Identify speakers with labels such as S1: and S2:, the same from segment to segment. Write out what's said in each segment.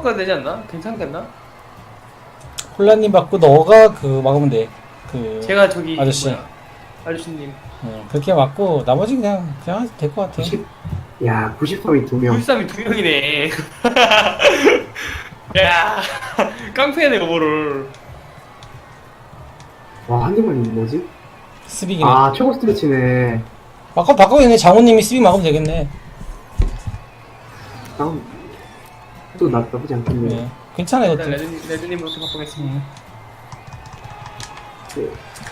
S1: 바꿔야 되지 않나? 괜찮겠나?
S2: 홀라님 받고 너가 그 막으면 돼. 그
S1: 제가 저기
S2: 아저씨.
S1: 뭐야, 아저씨님
S2: 그렇게 맞고 나머지 그냥 될 것 같아.
S3: 90, 야, 93이 2명.
S1: 93이 2명이네. 야 깡패네 그거를.
S3: 와, 한 개만 있는 뭐지?
S2: 스빅이네.
S3: 아, 최고 스트레치네.
S2: 바꿔야겠네. 장호님이 스빅 막으면 되겠네.
S3: 다음, 또 나쁘지 않겠네.
S2: 네. 괜찮아
S1: 일단
S2: 이것도.
S1: 레드님부터 바꾸겠습니다.
S3: 네.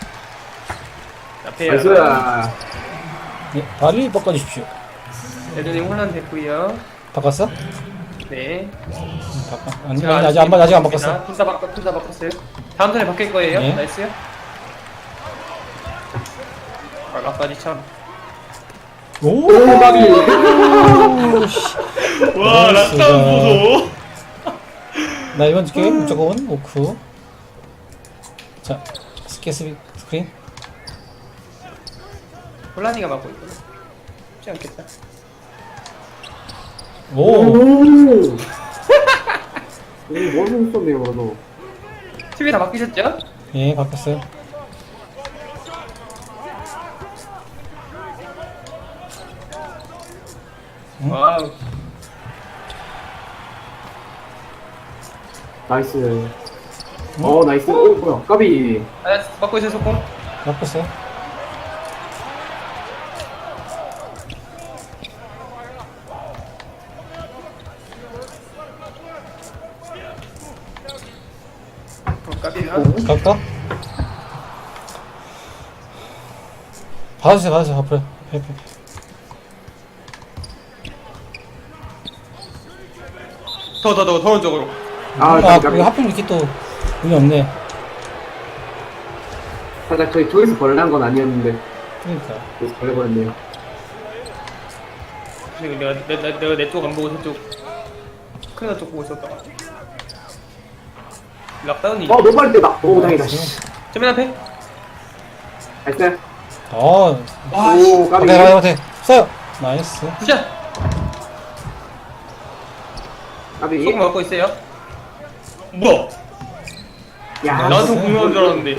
S1: 앞에
S3: 나이스.
S2: 네, 빨리 바꿔주십시오.
S1: 레드님 혼란 됐고요.
S2: 바꿨어?
S1: 네.
S2: 바꿔. 아니,
S1: 제가
S2: 아직 안 바꿨어.
S1: 둘 다 바꿨어요. 다음 턴에 바뀔 거예요.
S2: 네.
S1: 나이스요. 아까지 참.
S2: 오,
S3: 오마비.
S1: 와
S2: 나이스다.
S1: 낙타운 보소.
S2: 나 이번 줄게. 무조건 오크. 자, 스케스빅 스크린.
S1: 혼란이가 맡고 있구나. 쉽지 않겠다.
S2: 오,
S3: 오, 머리 썼네요, 그래도.
S1: TV 다 바뀌셨죠?
S2: 예, 바꿨어요.
S1: 와우.
S3: 나이스. 나이스. 뭐야, 까비.
S1: 아, 맡고 있어요 소금.
S2: 바꿨어요.
S1: 까비가.
S2: 갈까? 받으세요. 앞으로.
S1: 더 오른쪽으로.
S3: 아, 까비.
S2: 이거 하필 이렇게 또 운이 없네.
S3: 살짝 저희 쪽에서 벌레한 건 아니었는데,
S2: 그러니까.
S3: 그래서 벌레버렸네요.
S1: 지금 내가 내 쪽 안 보고 저쪽 큰일 쪽 보고 있었다. 락다운이.
S3: 너무 빨리 때다. 오, 다행이다. 씨.
S1: 저맨 앞에.
S3: 나이스.
S1: 와,
S3: 오, 까비.
S2: 가대. 써요. 나이스.
S1: 굿샷.
S3: 까비.
S1: 소금 맡고 있어요. 뭐야?
S3: 야,
S1: 나한테 공유한 줄 알았는데.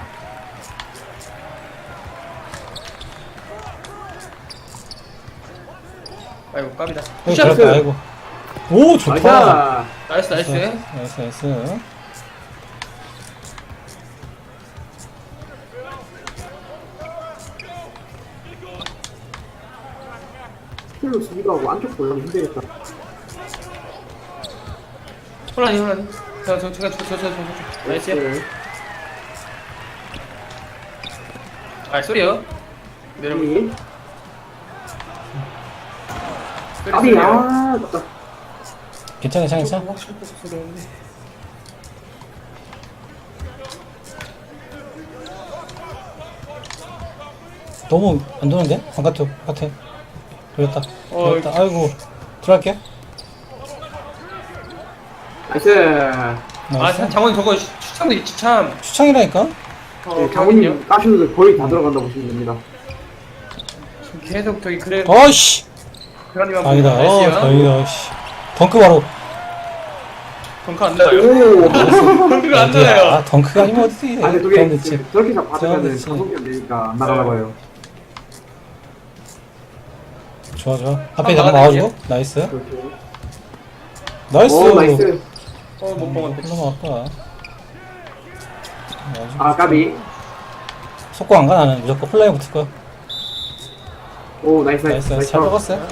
S1: 아이고 까비다.
S2: 여기
S1: 굿샷.
S2: 들었다. 아이고. 오, 좋다.
S3: 나이스.
S1: 나이스.
S2: 나이스.
S3: 킬로 수비가 하고 안쪽 볼라면 힘들겠다.
S1: 혼란이. 저. 나이스. 아 소리요. 내려보.
S3: 까비. 까비. 아, 맞다.
S2: 괜찮아.
S1: 확실히 소리였는데.
S2: 너무 안 도는데? 바깥에. 그랬다. 아이고. 들어갈게.
S3: 나이스.
S1: 아 장원 저거 추천도 있지 참.
S2: 추천이라니까?
S3: 네, 장훈님 까슈들 거의 다 들어간다고 보시면 됩니다.
S1: 지금 계속 저기 그래.
S2: 어이씨!
S1: 그라니만
S2: 아니다.
S1: 나이스요.
S2: 다행이다. 씨. 덩크 바로.
S1: 덩크 안 나요.
S3: 오.
S1: 덩크가 안
S2: 어디야?
S1: 나요.
S2: 아, 덩크가 아니면 어디지?
S3: 아, 근데
S2: 그럼
S3: 저게
S2: 됐지.
S3: 저렇게 다 받으면은
S2: 그렇지.
S3: 가속이 안 되니까 안 나가나 봐요.
S2: 좋아. 앞에 잠깐 나와주고. 나이스.
S3: 그렇게.
S2: 나이스.
S3: 오, 나이스.
S1: 못 먹었네.
S2: 너무 아파.
S3: 아, 까비.
S2: 속고 안 가, 나는. 무조건 홀라인 붙을 거야.
S3: 오, 나이스.
S2: 나이스. 잘 먹었어요.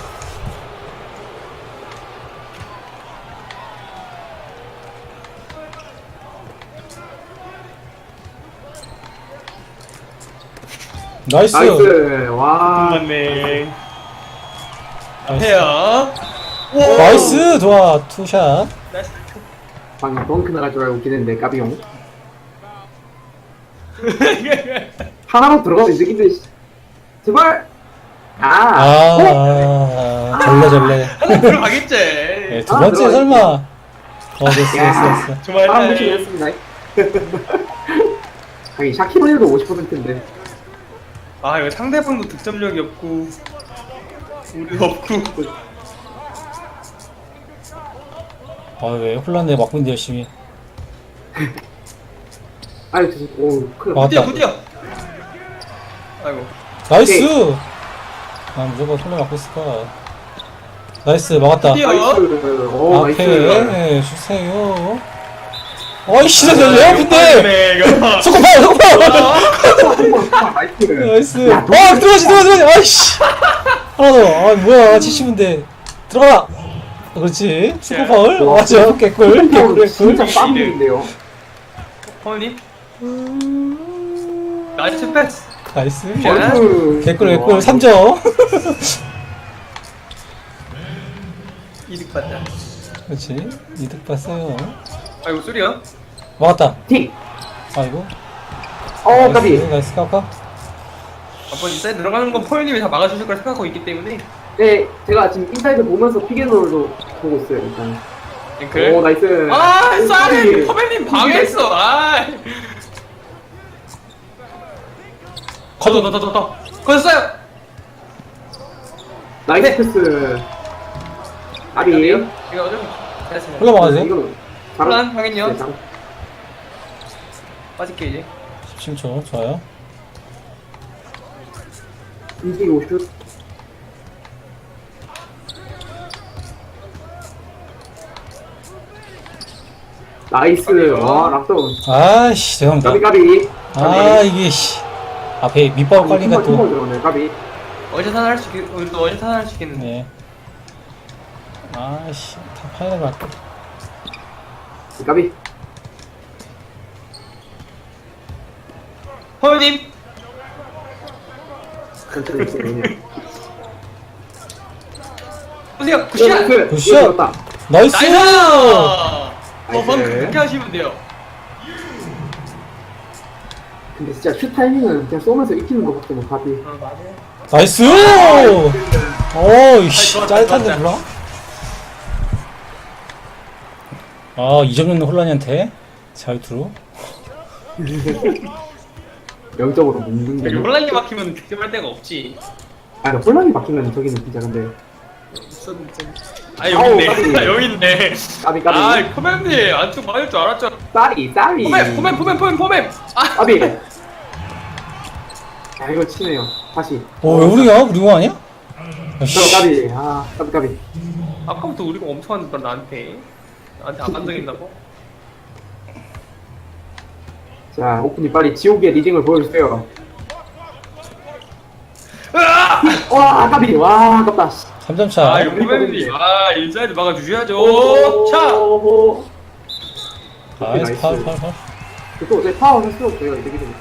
S2: 나이스.
S3: 나이스. 와.
S1: 맞네.
S2: 나이스.
S1: 앞에요.
S2: 나이스. 좋아. 투샷.
S1: 나이스.
S3: 방금 덩크 나갈 줄 알고 기대했는데 까비용. 하나로 들어가면 이득인데. 제발.
S2: 절레.
S1: 하나 들어가겠지.
S2: 네, 두 번째
S3: 들어가
S2: 설마. 됐어.
S1: 정말
S3: 아, 무시했습니다. 하긴 샤키로에도 50%인데.
S1: 아 이거 상대방도 득점력이 없고 우리도 없고.
S2: 아, 왜? 혼란에 막고 있는데 열심히.
S3: 아니, 오, 큰일
S2: 맞다.
S1: 굿이야 굿이야. 아이고.
S2: 나이스! 아, 무조건 혼란 막고 있을까. 나이스, 막았다.
S1: 굿이야.
S3: 나이스. 오, 나이스.
S2: 앞에 주세요. 아이씨, 내 앞인데!
S1: 네 이거.
S2: 소코파!
S3: 나이스.
S2: 나이스.
S3: 야,
S2: 아, 들어가지! 아이씨! 하나 더. 아, 뭐야. 70인데. 들어가! 그렇지. 스코 파울?
S3: 와.
S2: 맞아. 개꿀. 개꿀.
S3: 진짜
S2: 개꿀.
S3: 빵인데요.
S1: 허니. 나이스 패스.
S2: 나이스.
S3: 나이스.
S2: 개꿀,
S3: 와.
S2: 개꿀. 3점.
S1: 이득 받자.
S2: 그렇지. 이득 봤어요.
S1: 아이고 쏘리야.
S2: 막았다.
S3: 틱.
S2: 아이고.
S3: 까비.
S2: 나이스, 까까.
S1: 한번 인사이드 들어가는 건 포현님이 다 막아주실 걸 생각하고 있기 때문에.
S3: 네, 제가 지금 인사이드 보면서 피겐롤도 보고 있어요, 일단.
S1: 앵클.
S3: 오, 나이스.
S1: 아,
S3: 오,
S1: 쌀이
S3: 까비.
S1: 포맨님 방해했어. 아. 더. 거셨어요.
S3: 나이스 패스. 까비.
S1: 이거 어좀 잘했습니다.
S2: 올라가야 돼.
S3: 이거
S1: 혼란 확인요.
S3: 네, 장-
S1: 빠질게 이제.
S2: 17초. 좋아요.
S3: 움직이고 슛. 나이스.
S1: 까비요.
S3: 와, 락다운.
S2: 아이씨, 죄송합니다.
S3: 까비.
S2: 아, 이게, 씨. 앞에 밑밥 깔린가 또.
S3: 들어오네, 까비.
S1: 어제산 할수 있겠. 오늘도 어제산 할수 있겠는데.
S2: 네. 아이씨, 다 파이널 갈게.
S3: 까비.
S1: 포현님.
S3: 천천히 천천히.
S1: 보세요. 굿샷.
S3: 나이스.
S2: 굿샷.
S3: 이거 들었다.
S2: 나이스!
S1: 나이스. 방금
S3: 나이스.
S1: 그렇게 하시면 돼요.
S3: 근데 진짜 슛 타이밍은 그냥 쏘면서 익히는 것밖에 못 까비.
S1: 맞아요.
S2: 나이스! 어이씨,
S1: 아이,
S2: 짜릿한데,
S1: 좋았다.
S2: 몰라? 아, 2점 넣는 혼란이한테 잘 들어.
S3: 0점으로 묶는 게.
S1: 혼란이 막히면 득점할 데가 없지.
S3: 아니, 혼란이 막히면 저기는 진짜 근데.
S1: 아 여기 있네.
S3: 아우, 까비.
S1: 여기 있네.
S3: 까비, 까비.
S1: 아 포맨님 안쪽 맞을 줄 알았죠.
S3: 쌀이.
S1: 포맨. 아
S3: 까비. 야, 이거 치네요. 다시.
S2: 왜 우리야? 우리 거 아니야? 아이씨.
S3: 까비. 아, 까비.
S1: 아까부터 우리가 엄청 한다 나한테 안 반등했나 봐.
S3: 자, 오픈이 빨리 지옥의 리딩을 보여주세요. 와, 까비. 와, 아깝다.
S2: 3점 차.
S1: 아 이거 포맨님 아 인사이드 막아주셔야죠. 차.
S3: 오.
S2: 나이스, 파울.
S3: 또 어제 파워 할수록 저희가 이득이 됩니다.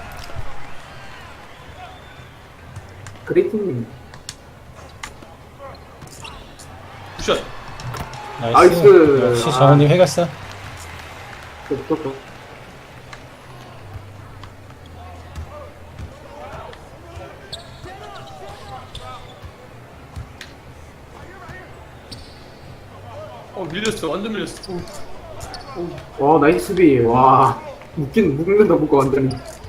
S3: 그레이팅님.
S1: 굿샷.
S2: 나이스.
S3: 나이스.
S2: 역시
S3: 아.
S2: 정원님 해결사.
S3: 또.
S1: 밀렸어. 완전 밀렸어.
S3: 와, 나이스 수비. 와. 묶는다, 묶어, 완전히.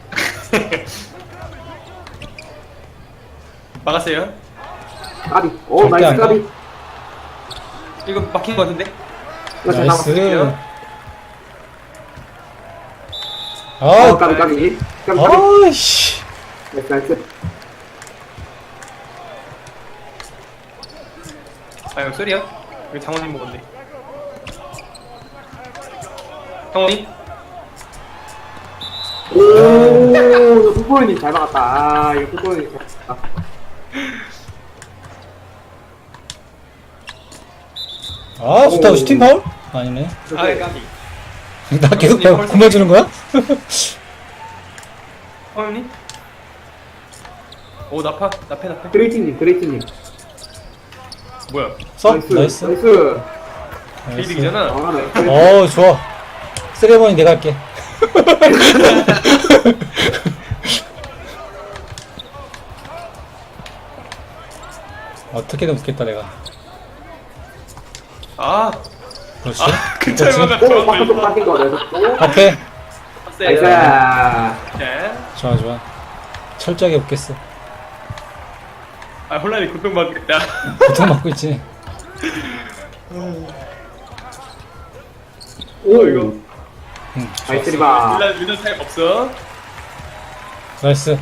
S1: 막았어요.
S3: 까비. 오,
S2: 절대
S3: 나이스
S2: 안 가.
S3: 까비.
S1: 이거 막힌 거 같은데?
S3: 이거 잘
S2: 나이스.
S3: 나왔어요.
S2: 아,
S3: 까비.
S2: 아이씨.
S3: 나이스.
S1: 아 이거 쏘리야? 이거 장원님 먹었네. 장원님?
S3: 오, 풋볼님 잘 막았다. 아, 이거 풋볼님 잘 막았다.
S2: 아, 좋다.
S3: 오.
S2: 슈팅 파울? 아니네.
S1: 아 까비.
S2: 나 계속 공며주는 거야?
S1: 장원님? 오 나패.
S3: 그레이팅님.
S1: 뭐야?
S2: 써? 나이스.
S3: 나이스.
S1: 게이득이잖아.
S3: 아, 나이스.
S2: 좋아. 쓰레버니 내가 할게. 어떻게든 웃겠다, 내가.
S1: 아.
S2: 그렇지.
S1: 근처에
S2: 그렇지.
S3: 오, 바깥쪽 바뀐 거 나이스.
S2: 오케이.
S3: 나이스.
S1: 네.
S2: 좋아. 철저하게 웃겠어.
S1: 아 혼란이 고통받겠다.
S2: 고통받고 있지.
S3: 오,
S1: 이거.
S3: 나이스 리바.
S1: 밀란 타임 없어.
S2: 나이스.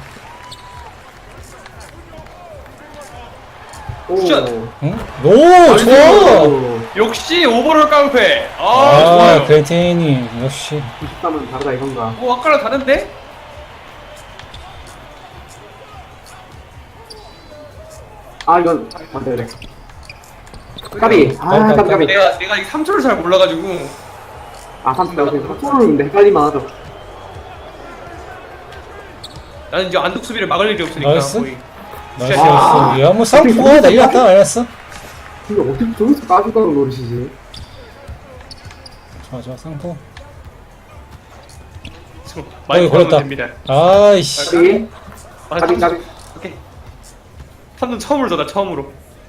S3: 오,
S1: 굿샷.
S2: 응? 오, 좋아!
S1: 역시 오버롤 깡패. 아,
S2: 아,
S1: 좋아요.
S2: 그레이테니, 역시.
S3: 93은 다르다 이건가.
S1: 아까랑 다른데?
S3: 아, 이건, 안 돼, 그래. 까비. 아, 까비, 까비.
S1: 내가 이 3초를 잘 몰라가지고.
S3: 아, 30대, 3초를 근데 헷갈리만 하죠.
S1: 나는 이제 안독 수비를 막을 일이 없으니까
S2: 나이스.
S1: 거의.
S2: 나이스,
S3: 아.
S2: 나이스. 야, 뭐, 쌍포가 난리 났다, 알았어.
S3: 근데 어떻게 저기서 빠져가는 노릇이지?
S2: 좋아, 좋아, 쌍포.
S1: 많이
S2: 걸렸다.
S1: 걸으면 됩니다.
S2: 아이씨.
S3: 까비.
S1: 아,
S3: 까비, 까비.
S1: 오케이. 3점 처음으로 줬다, 처음으로.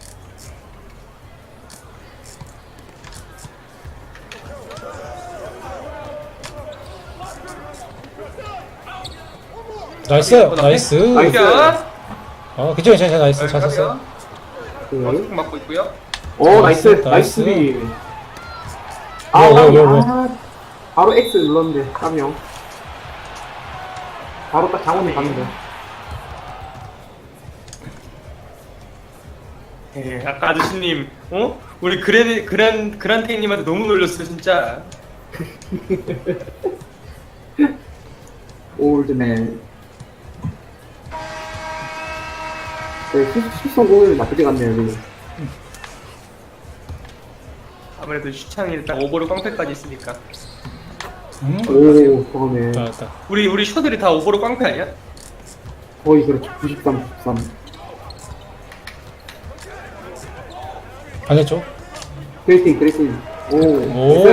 S2: 나이스, 나이스.
S3: 나이스.
S2: 아, 괜찮아, 괜찮아, 나이스. 잘 쳤어.
S3: 그,
S1: 맞고 있고요.
S3: 오, 나이스,
S2: 나이스.
S3: 나이스 수비.
S2: 뭐, 뭐,
S3: 까비.
S2: 뭐, 뭐.
S3: 아, 바로 X 눌렀는데, 까미요. 바로 딱 장원이 갔는데.
S1: 예, 아까 아저씨님, 어? 우리 그란테이님한테 너무 놀렸어, 진짜.
S3: 올드맨. 네, 수성공을 나쁘지 않네요, 지금.
S1: 아무래도 슈창이 딱 오버로 깡패까지 있으니까.
S3: 오, 그거네.
S2: 잘했다.
S1: 우리 셔들이 다 오버로 깡패 아니야?
S3: 거의 그렇죠. 93, 93.
S2: 반대쪽.
S3: 그레이팅, 그레이팅. 오,
S2: 오.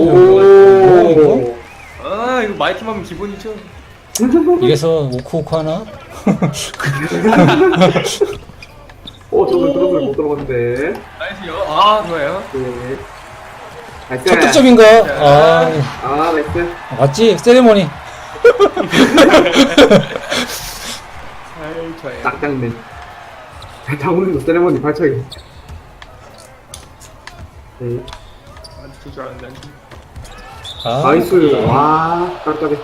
S3: 오.
S1: 아, 이거 마이팀 하면 기본이죠.
S2: 이래서 오쿠오쿠 하나?
S3: 저는 그런 걸못 들어봤는데.
S1: 나이스요. 아, 좋아요.
S3: 네. 나이스.
S2: 첫 득점인가? 아,
S3: 아, 나이스.
S2: 맞지? 세레모니.
S1: 아이, 좋아요.
S3: 딱딱네. 장훈이도 세레머니 발차기. 네.
S1: 안 줄 알았는데.
S2: 아,
S3: 나이스. 와, 깜짝이야.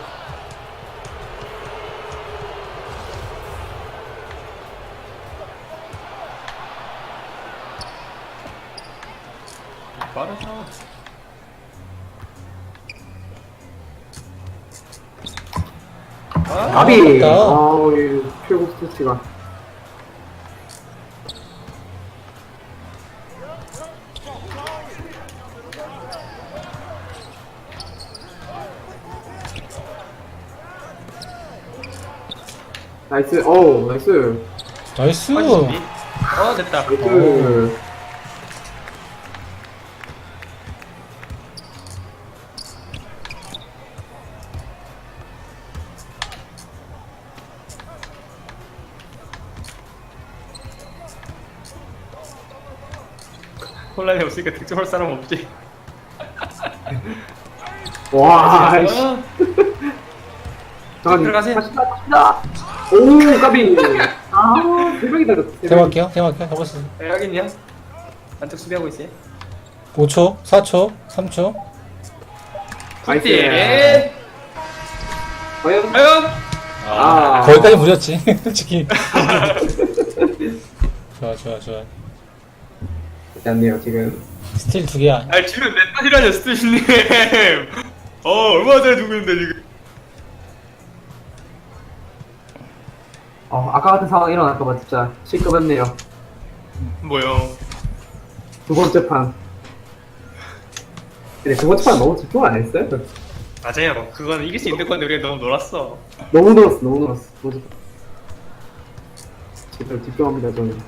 S1: 빠르다. 아,
S3: 가비!
S2: 아깝다.
S3: 아우, 이 최고 스트치가. 나이스, 어우, 나이스.
S2: 나이스.
S1: 됐다.
S3: 나이스.
S1: 혼란이 없으니까 득점할 사람 없지.
S3: 와, 아이씨.
S1: 어,
S3: 잠깐,
S1: 들어가세요.
S3: 갑시다. 오, 까비. 아, 대박이다.
S2: 대박이요? 대박이요? 잡았어.
S1: 여긴요. 안쪽 수비하고 있어요.
S2: 5초, 4초, 3초.
S1: 굿띠.
S3: 과연?
S1: 과연?
S3: 아.
S2: 거기까지 무렸지, 솔직히. 좋아, 좋아, 좋아.
S3: 좋지 않네요, 지금.
S2: 스틸 2개야.
S1: 아, 지금 몇 번이라뇨, 스테이시님. 얼마나 잘 두고 있는데, 지금.
S3: 아까 같은 상황 일어날까봐 진짜 실급했네요.
S1: 뭐요?
S3: 두 번째 판. 근데 두 번째 판 너무 집중 안 했어요?
S1: 맞아요. 그건 이길 수 있는 건데, 우리가 너무 놀았어.
S3: 너무 늘었어, 너무 늘었어. 두 번째 판. 제대로 집중합니다, 저는.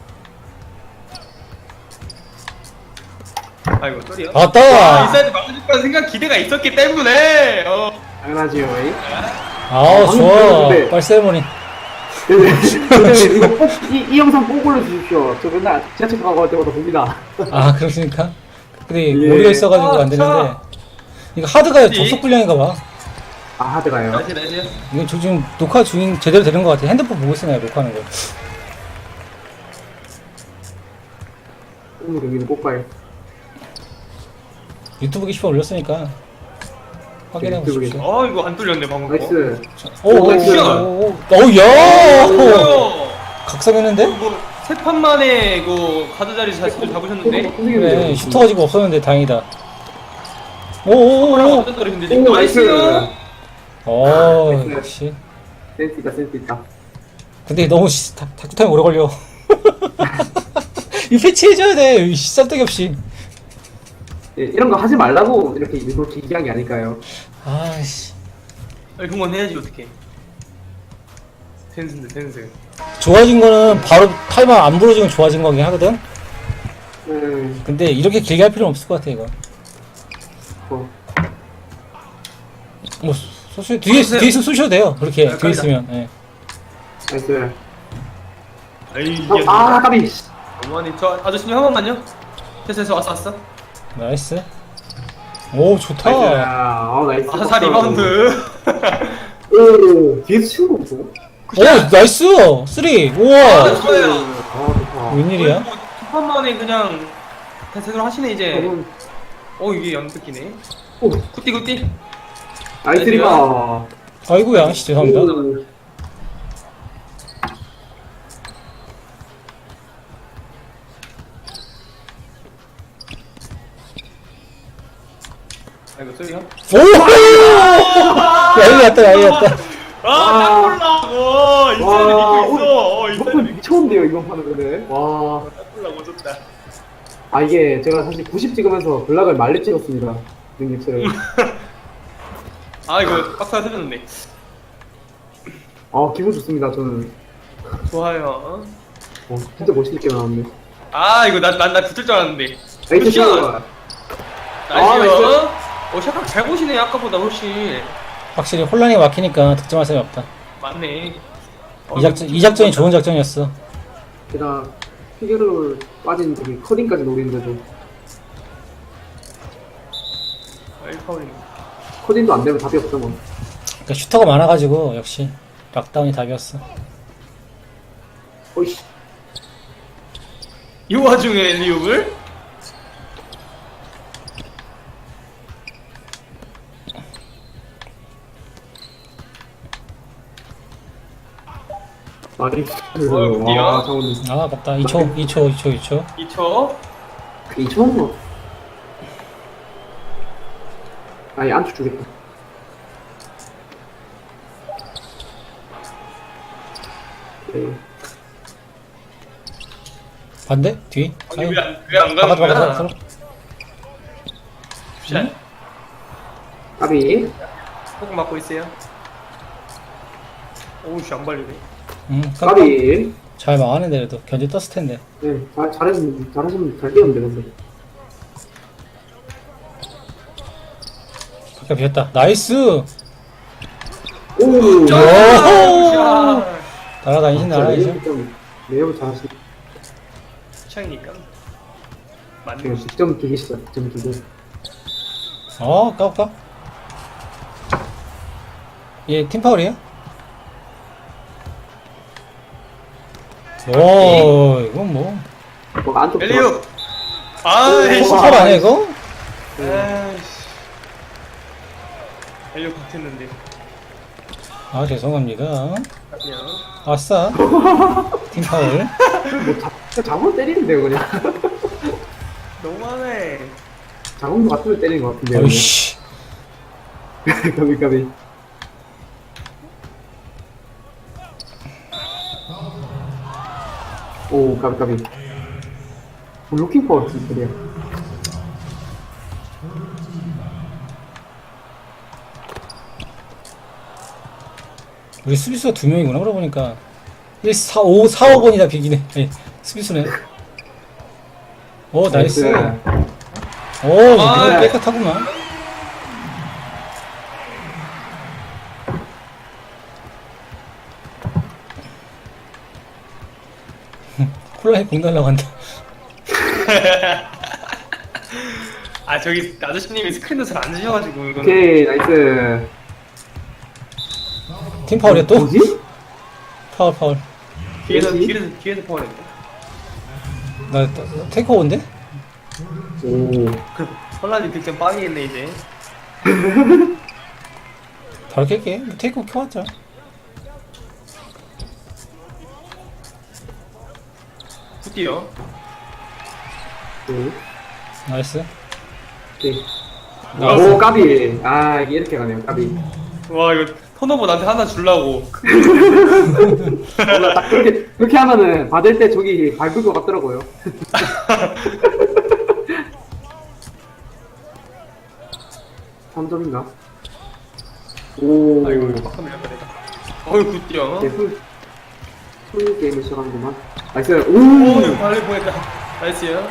S1: 아이고, 쏘리요.
S2: 왔다!
S1: 인사이드 막아줄 거란 생각 기대가 있었기 때문에,
S3: 당연하지요, 에이.
S2: 아우,
S3: 방금
S2: 좋아.
S3: 들었는데.
S2: 빨리 세레모니.
S3: 근데 이거 꼭, 이 영상 꼭 올려주십시오. 저 맨날 지하철 가고 할 때마다 봅니다.
S2: 아, 그렇습니까? 근데
S3: 예.
S2: 오류가 있어가지고 안 되는데.
S1: 차.
S2: 이거 하드가
S1: 그치?
S2: 접속 불량인가 봐.
S3: 아, 하드가요.
S1: 나이스, 나이스.
S2: 이거 저 지금 녹화 중인 제대로 되는 것 같아. 핸드폰 보고 있어, 내가 녹화하는 거.
S3: 오늘 여기는 꼭 가요.
S2: 유튜브 게시판 올렸으니까. 확인해 보십시오.
S1: 아 이거 안 뚫렸네 방금 거.
S3: 나이스.
S2: 오오오오야 각성했는데?
S1: 뭐세 판 만에 이거 가드 자리 자신을 잡으셨는데.
S2: 그래 슈터가 지금 없었는데 다행이다.
S1: 랑
S2: 오오오
S1: 완전 떨어졌는데 지금.
S3: 오, 나이스.
S1: 나이스요.
S2: 역시.
S3: 센스 있다, 센스 있다.
S2: 근데 너무 다크타임 오래 걸려. 이거 패치해줘야 돼. 쌀데기 없이.
S3: 예, 이런 거 하지 말라고 이렇게 일부러 길게 한 게 아닐까요?
S2: 아씨.
S1: 아니 그건 해야지 어떻게. 텐스인데 텐스.
S2: 좋아진 거는 바로 타이머 안 부러지면 좋아진 거긴 하거든. 근데 이렇게 길게 할 필요는 없을 것 같아 이거. 뭐 뒤에서 쏘셔도 돼요. 그렇게
S1: 아,
S2: 뒤에 있으면. 예.
S3: 나이스.
S1: 에이
S3: 아, 까비.
S1: 어머니 저 아저씨님 한 번만요. 됐어 왔어.
S2: 나이스. 오 좋다.
S3: 나이스. 아, 나이스.
S1: 아사 리바운드.
S3: 오, 뒤에서 치는 거 없어?
S2: 오 나이스. 3. 우와.
S1: 좋아요.
S3: 아, 좋다.
S2: 웬일이야?
S1: 두판 만에 그냥 대세로 하시네 이제.
S3: 저건,
S1: 이게 안 뜯기네.
S3: 오,
S1: 굿띠.
S3: 나이스 리바.
S2: 아이고야. 죄송합니다.
S3: 오.
S1: 아이고 쏘리요.
S2: 오! 야이갔다.
S1: 딱 몰라. 이제는
S3: 와,
S1: 믿고 있어.
S3: 이번 미쳤는데요, 이번 판은 근데. 와.
S1: 딱 몰라 졌다.
S3: 아, 이게 제가 사실 90 찍으면서 블락을 말리 찍었습니다. 능력치를.
S1: 아 이거 빡사 터졌는데.
S3: 아, 기분 좋습니다, 저는.
S1: 좋아요.
S3: 진짜 멋있게 나왔네.
S1: 아 이거 나 붙을 줄 알았는데.
S3: 나이스
S1: 굿샷.
S3: 샷!
S1: 나이스요. 샤각 잘 보시네 아까보다 훨씬.
S2: 확실히 혼란이 막히니까 득점할 사람이 없다.
S1: 맞네.
S2: 이 작전이 좋은 작전이었어.
S3: 게다가 피겨를 빠진 저기 커딩까지 노리는데도
S1: 파울이네.
S3: 커딩도 안 되면 답이 없어 뭐.
S2: 그러니까 슈터가 많아가지고 역시 락다운이 답이었어.
S3: 어이씨.
S1: 이 와중에 리옥을?
S3: 나이스.
S1: 어이구야.
S3: 와, 장훈이.
S2: 아 아깝다. 2초.
S1: 2초.
S3: 이 좋은 거. 아니, 안쪽 주겠다. 네.
S2: 반대? 뒤?
S1: 아니
S2: 아유,
S1: 왜안 가는 거야?
S2: 박아.
S1: 굿샷.
S3: 까비.
S1: 조금 맞고 있어요. 오우씨 안 발리네.
S3: 까비.
S2: 잘 막았는데 그래도 견제 떴을 텐데.
S3: 네, 잘하시면 잘 뛰었는데, 근데.
S2: 바깥 비었다. 나이스.
S3: 오!
S2: 오!
S1: 굿샷.
S2: 날아다니신 날아다니신.
S3: 매우 잘하시네.
S1: 차이니까. 맞네.
S3: 지금 득점 두개 시작, 득점 두 개.
S2: 까볼까? 얘 팀파울이야? 오 이건 뭐
S3: 뭐가 안쪽
S1: 엘리오. 아이씨.
S2: 팀파울 아니야 이거?
S1: 아이씨. 엘리오 같았는데.
S2: 아 죄송합니다.
S1: 그냥.
S2: 아싸 팀파울.
S3: 자공 때리는데요, 그냥.
S1: 너무하네.
S3: 자공도 같으면 때리는 것 같은데요.
S2: 어이씨
S3: 까비. 오, 까비. 블로킹 파워 진짜야.
S2: 우리 수비수가 2명이구나 그러고 보니까 1, 4, 5, 4, 5번이다 비기네. 예, 수비수네. 오 나이스. 오
S1: 아,
S2: 깨끗하구만. 콜라에 공 날라간다.
S1: 아 저기 아저씨님이 스크린도 잘 안 주셔가지고 이거는.
S3: 오케이, 나이스.
S2: 팀 파울이야 또?
S3: 뭐지?
S2: 파울.
S1: 뒤에서 파울했네.
S2: 나 테이크오버인데?
S3: 오.
S1: 그 헐란이 득점 빵이겠네 이제.
S2: 바로 깰게. 뭐 테이크 켜왔자.
S1: 굿디요.
S3: 네.
S2: 나이스.
S3: 네.
S2: 나이스.
S3: 오, 까비. 아, 이게 이렇게 가네요, 까비.
S1: 와 이거 턴오버 나한테 하나 주려고.
S3: 몰라, 딱 그렇게 하면은 받을 때 저기 밟을 것 같더라고요. 삼점인가 오,
S1: 아이고 이거 빡하면 내가. 어이 굿디요.
S3: 네, 풀 게임을 시작하는구만. 나이스.
S1: 오
S3: 오!
S1: 이거 발리 보냈다. 나이스요.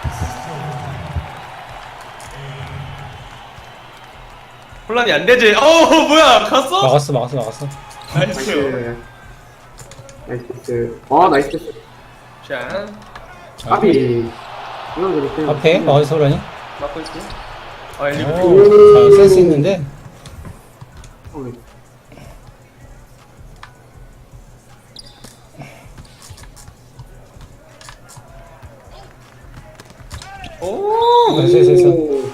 S1: 혼란이 안 되지. 뭐야 갔어?
S2: 막았어.
S1: 나이스요.
S3: 나이스 패스. 나이스 패스.
S1: 자
S3: 까비. 이건 그렇게.
S2: 앞에 막아서 소라니.
S1: 막고 있고. 아 엘리브.
S2: 오, 잘 센스 있는데.
S3: 네.
S1: 오
S2: 됐어.
S3: 오.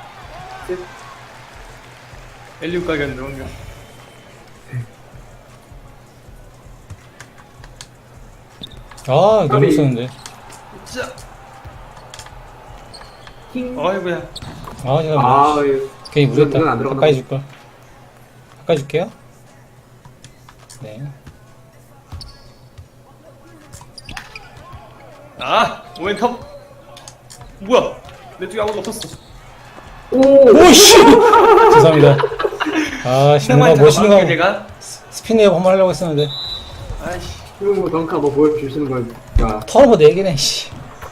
S1: 엘리브 가겠네 뭔가.
S2: 아, 너무 쓰는데.
S1: 자
S3: 킹.
S1: 어이구야.
S2: 아, 제가
S3: 아,
S2: 뭐.
S3: 예.
S2: 괜히
S3: 이건 안
S2: 무리했다.
S3: 들어간다.
S2: 가까이 줄걸. 가까이 줄게요. 네.
S1: 오웬톱. 뭐야 내 쪽에 아무도 없었어.
S3: 오!
S2: 오씨! 죄송합니다. 아, 신호가 멋있는 거.
S1: 제가.
S2: 스피드업 한번 하려고 했었는데.
S1: 아이씨.
S3: 뭐 덩크 한번 보여주시는 거니까.
S2: 턴오버 4개네, 씨.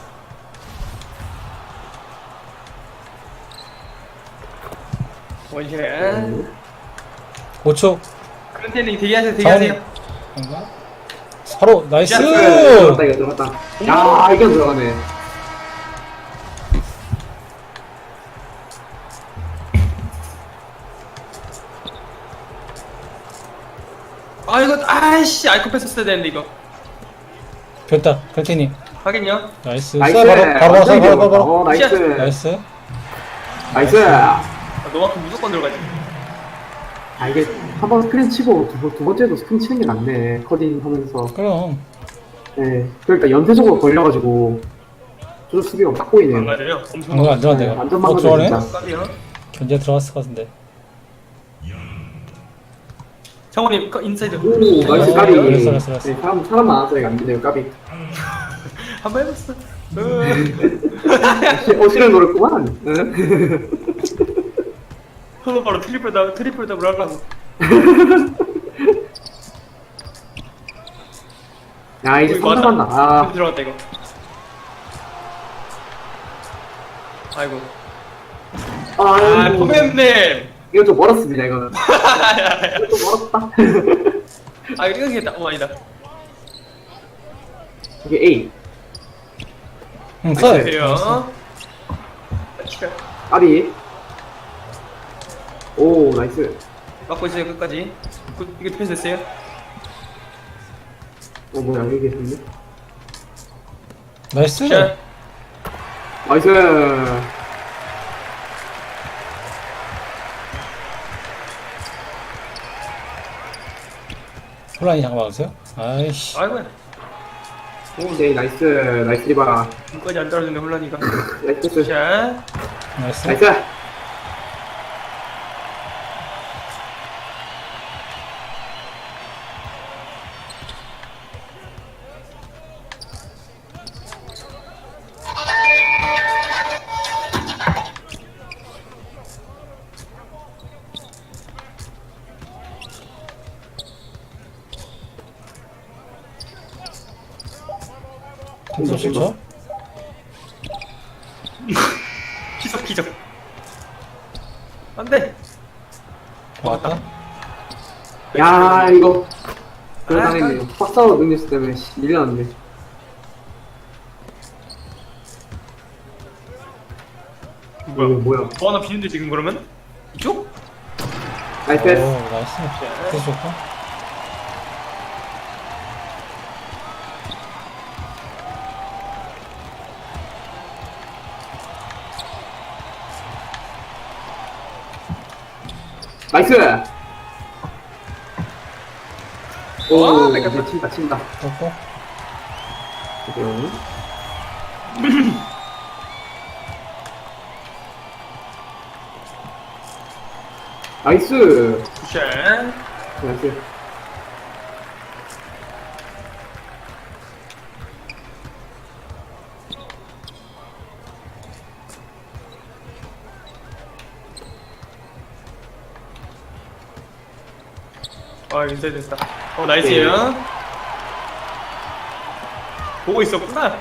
S1: 원샷.
S2: 5초.
S1: 크런테닝 대기하세요.
S2: 뭔가? 바로, 나이스!
S3: 들어갔다, 이거 들어갔다. 야, 이건 들어가네.
S1: 이거 아이씨 아이콘 뺐었어야 되는데 이거.
S2: 됐다, 컨티니.
S1: 하긴요.
S2: 나이스.
S3: 나이스.
S2: 바로,
S3: 완전
S2: 바로.
S3: 귀여워. 나이스.
S2: 나이스.
S3: 나이스.
S1: 너만큼 무조건 들어가지.
S3: 이게 한 번 스크린 치고 두 번째도 스크린 치는 게 낫네. 커딩 하면서.
S2: 그럼.
S3: 네. 그러니까 연쇄적으로 걸려가지고 조절 수비가 딱 보이네요.
S1: 맞아요. 엄청
S2: 방금 안 들어간다,
S3: 네,
S2: 이거.
S3: 완전
S2: 들어가네?
S3: 망가져,
S1: 깜이요.
S2: 견제 들어갔을 것 같은데.
S1: 정원님 인사이드.
S3: 오, 나이스
S2: 어,
S3: 까비.
S2: 알았어.
S3: 네, 사람 많아서 이거 안 되네요, 까비.
S1: 한번 해봤어.
S3: 실을 노렸구만. 응.
S1: 그거 바로 트리플 더블 하려고.
S3: 야, 이제
S1: 이거
S3: 3 남았나. 아,
S1: 들어갔다 이거. 아이고.
S3: 아이고.
S1: 포맨님.
S3: 이거 좀 멀었습니다, 이거는. 이거 좀 멀었다.
S1: 이거 이거겠다. 아니다.
S3: 이게 A.
S2: 응, 써.
S1: 안녕하세요.
S3: 까비. 오, 나이스.
S1: 막고 있어요 끝까지. 이거 디펜스 됐어요?
S3: 뭐야, 여기 계시는데?
S2: 나이스.
S1: 자.
S3: 나이스.
S2: 혼란이 잠깐 막으세요. 아이씨.
S1: 아이고야.
S3: 네, 나이스. 나이스 리바.
S1: 끝까지 안 떨어지네 혼란이가.
S3: 나이스.
S1: 자.
S2: 나이스.
S3: 나이스.
S2: 점수 실죠?
S1: 기적. 안돼.
S2: 막았다.
S3: 야, 이거. 그거 당했네요. 박사로 능력치 때문에 밀려났네. 뭐야.
S1: 하나 비는데 지금 그러면? 이쪽?
S3: 나이스
S2: 오,
S3: 패스.
S2: 나이스. 패스 좋고.
S3: 나이스. 오,
S1: 뺏겼다.
S3: 네, 친다, 친다.
S2: 꺾고.
S3: 지금. 나이스.
S1: 굿샷.
S3: 나이스.
S1: 인사이드 됐다. 나이스요. 보고 있었구나.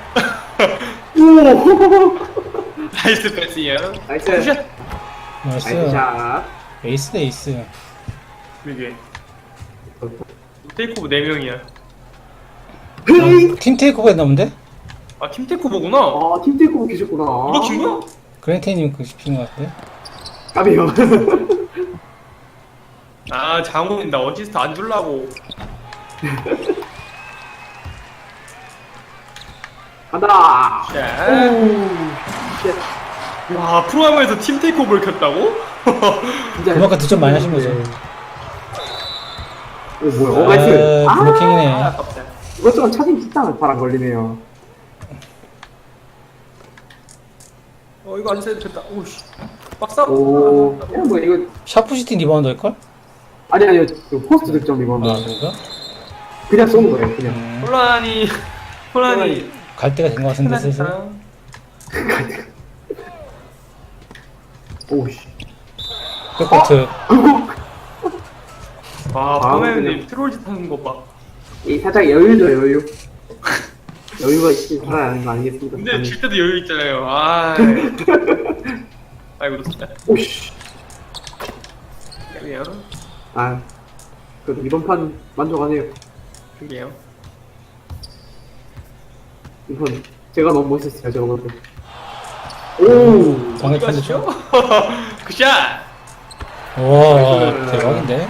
S3: 오!
S1: 나이스 패스요.
S3: 나이스.
S1: 굿샷.
S2: 나이스.
S3: 나이스 샷.
S2: 에이스 대 에이스.
S1: 이게 테이크오브 4명이야.
S2: 팀 테이크오버 했나본데?
S1: 팀 테이크오버구나.
S3: 아, 팀 테이크오버 계셨구나.
S1: 누가 킨 거야?
S2: 그랜테님 그 씹힌 것 같은데?
S3: 까비요.
S1: 장훈이 나 어시스트 안 줄라고.
S3: 간다.
S1: 샷.
S3: 오. 쉣.
S1: 와, 프로야구에서 팀 테이크오버를 켰다고?
S3: 진짜.
S2: 그만큼 득점 많이 하신 거죠.
S3: 오, 뭐야. 오, 나이스. 아,
S2: 블로킹이네.
S1: 아깝다.
S3: 이것저것 차징 진짜 바람 걸리네요.
S1: 이거 안 세도 됐다. 오씨. 박사.
S3: 오. 야, 뭐, 이거.
S2: 샤프시티 리바운드 할걸?
S3: 아니요. 그 포스트 득점 이번
S2: 아,
S3: 거.
S2: 그런가?
S3: 그냥 쏘는 거예요, 그냥.
S1: 혼란이
S2: 갈 때가 된 것 같은데, 슬슬.
S1: 끝났다.
S3: 오씨.
S2: 백코트.
S1: 와,
S3: 아,
S1: 포맨님
S3: 그냥.
S1: 트롤짓 하는 거 봐.
S3: 이 살짝 여유죠, 여유. 여유가 있지, 살아야 하는 거 아니겠습니까?
S1: 근데 질 때도 여유 있잖아요. 아이고, 진짜.
S3: 오씨.
S1: 그래요.
S3: 아, 그래도 이번 판 만족하네요.
S1: 그게요.
S3: 이번 제가 너무 멋있었어요, 제가 볼 때. 오,
S2: 방에
S1: 어디 가시죠?
S2: 편드죠?
S1: 굿샷!
S2: 와, 대박인데?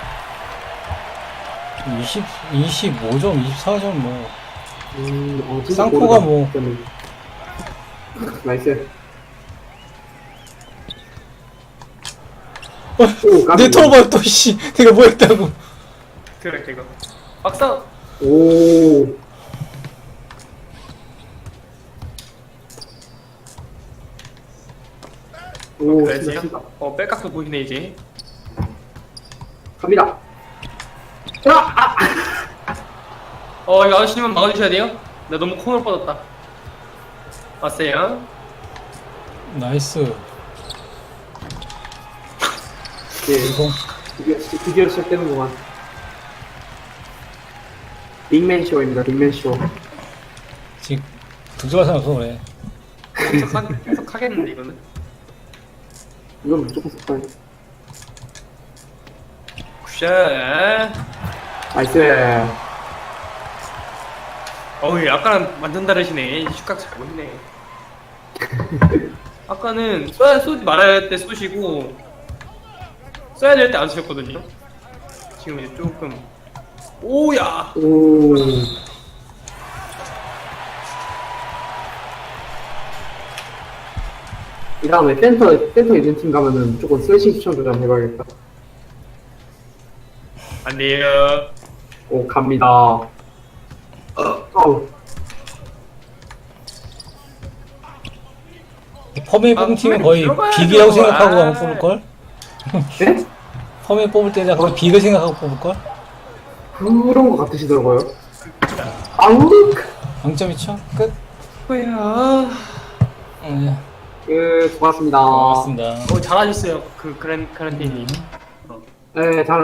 S2: 25점, 24점 뭐.
S3: 진짜
S2: 쌍코가
S3: 모르겠다,
S2: 뭐.
S3: 저는. 나이스. 오, 깜짝이야.
S2: 내 털어봐, 또, 씨. 내가 뭐 했다고.
S1: 그래, 이거. 박사!
S3: 오. 오,
S1: 그래,
S3: 진짜
S1: 지금.
S3: 진짜.
S1: 백각도 보이네, 이제.
S3: 갑니다. 아!
S1: 이거 아저씨님은 막아주셔야 돼요. 나 너무 코너로 뻗었다. 왔어요.
S2: 나이스.
S3: 네,
S2: 이거.
S3: 드디어 시작되는구만. 빅맨 쇼입니다, 빅맨 쇼.
S2: 지금, 득점할 사람 없어, 그래.
S1: 계속 하겠는데, 이거는.
S3: 이건 무조건 속도야.
S1: 굿샷!
S3: 나이스.
S1: 아까랑 완전 다르시네. 슛각 잘 보이네. 아까는 쏘지 말아야 할 때 쏘시고, 쏴야 될 때 안 쏘셨거든요. 지금 이제 조금. 오야!
S3: 오. 이 다음에 센터 있는 팀 가면은 무조건 슬래싱 추천 좀 해봐야겠다.
S1: 안 돼요.
S3: 오, 갑니다. 어우.
S2: 펌에 뽑은 팀은 거의
S1: 들어가야죠.
S2: 비교라고 생각하고 아마 뽑을걸?
S3: 네?
S2: 펌에 뽑을 때는 거의 비교 생각하고 뽑을걸?
S3: 그런 거 같으시더라고요. 아우.
S2: 0.2초? 끝?
S1: 뭐야.
S3: 수고하셨습니다.
S2: 고맙습니다.
S1: 잘하셨어요. 그랜테이님.
S3: 네, 잘